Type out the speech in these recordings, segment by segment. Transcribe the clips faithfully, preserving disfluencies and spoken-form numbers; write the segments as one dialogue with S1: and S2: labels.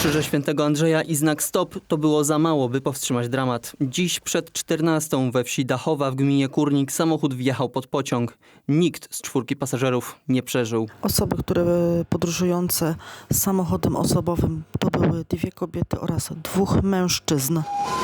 S1: Krzyże Świętego Andrzeja i znak stop to było za mało, by powstrzymać dramat. Dziś przed czternastą we wsi Dachowa w gminie Kórnik samochód wjechał pod pociąg. Nikt z czwórki pasażerów nie przeżył.
S2: Osoby, które podróżujące samochodem osobowym, to były dwie kobiety oraz dwóch mężczyzn.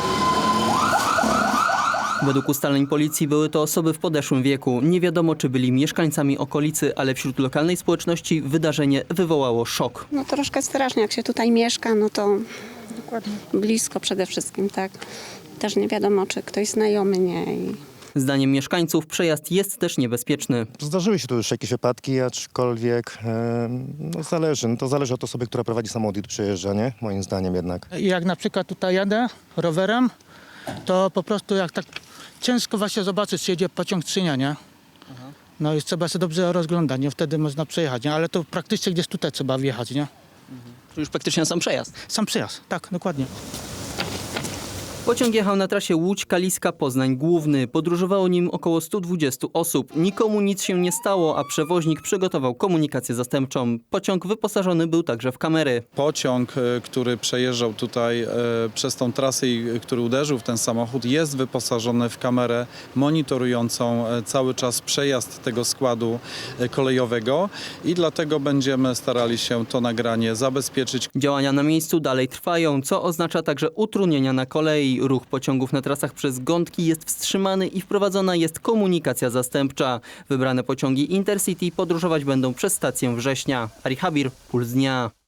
S1: Według ustaleń policji były to osoby w podeszłym wieku. Nie wiadomo, czy byli mieszkańcami okolicy, ale wśród lokalnej społeczności wydarzenie wywołało szok.
S3: No troszkę strasznie, jak się tutaj mieszka, no to blisko przede wszystkim, tak. Też nie wiadomo, czy ktoś znajomy, nie. I...
S1: Zdaniem mieszkańców przejazd jest też niebezpieczny.
S4: Zdarzyły się tu już jakieś wypadki, aczkolwiek e, no zależy. No to zależy od osoby, która prowadzi samochód i tu przejeżdża, nie? Moim zdaniem jednak.
S5: Jak na przykład tutaj jadę rowerem, to po prostu jak tak ciężko właśnie zobaczyć, czy jedzie pociąg, czy nie, nie? No i trzeba się dobrze rozglądać, nie? Wtedy można przejechać, nie? Ale to praktycznie gdzieś tutaj trzeba wjechać, nie?
S1: To już praktycznie sam przejazd.
S5: Sam przyjazd, tak, dokładnie.
S1: Pociąg jechał na trasie Łódź-Kaliska-Poznań Główny. Podróżowało nim około stu dwudziestu osób. Nikomu nic się nie stało, a przewoźnik przygotował komunikację zastępczą. Pociąg wyposażony był także w kamery.
S6: Pociąg, e, który przejeżdżał tutaj e, przez tą trasę i e, który uderzył w ten samochód, jest wyposażony w kamerę monitorującą e, cały czas przejazd tego składu e, kolejowego i dlatego będziemy starali się to nagranie zabezpieczyć.
S1: Działania na miejscu dalej trwają, co oznacza także utrudnienia na kolei. Ruch pociągów na trasach przez Gątki jest wstrzymany i wprowadzona jest komunikacja zastępcza. Wybrane pociągi Intercity podróżować będą przez stację Września. Ari Habir, Puls Dnia.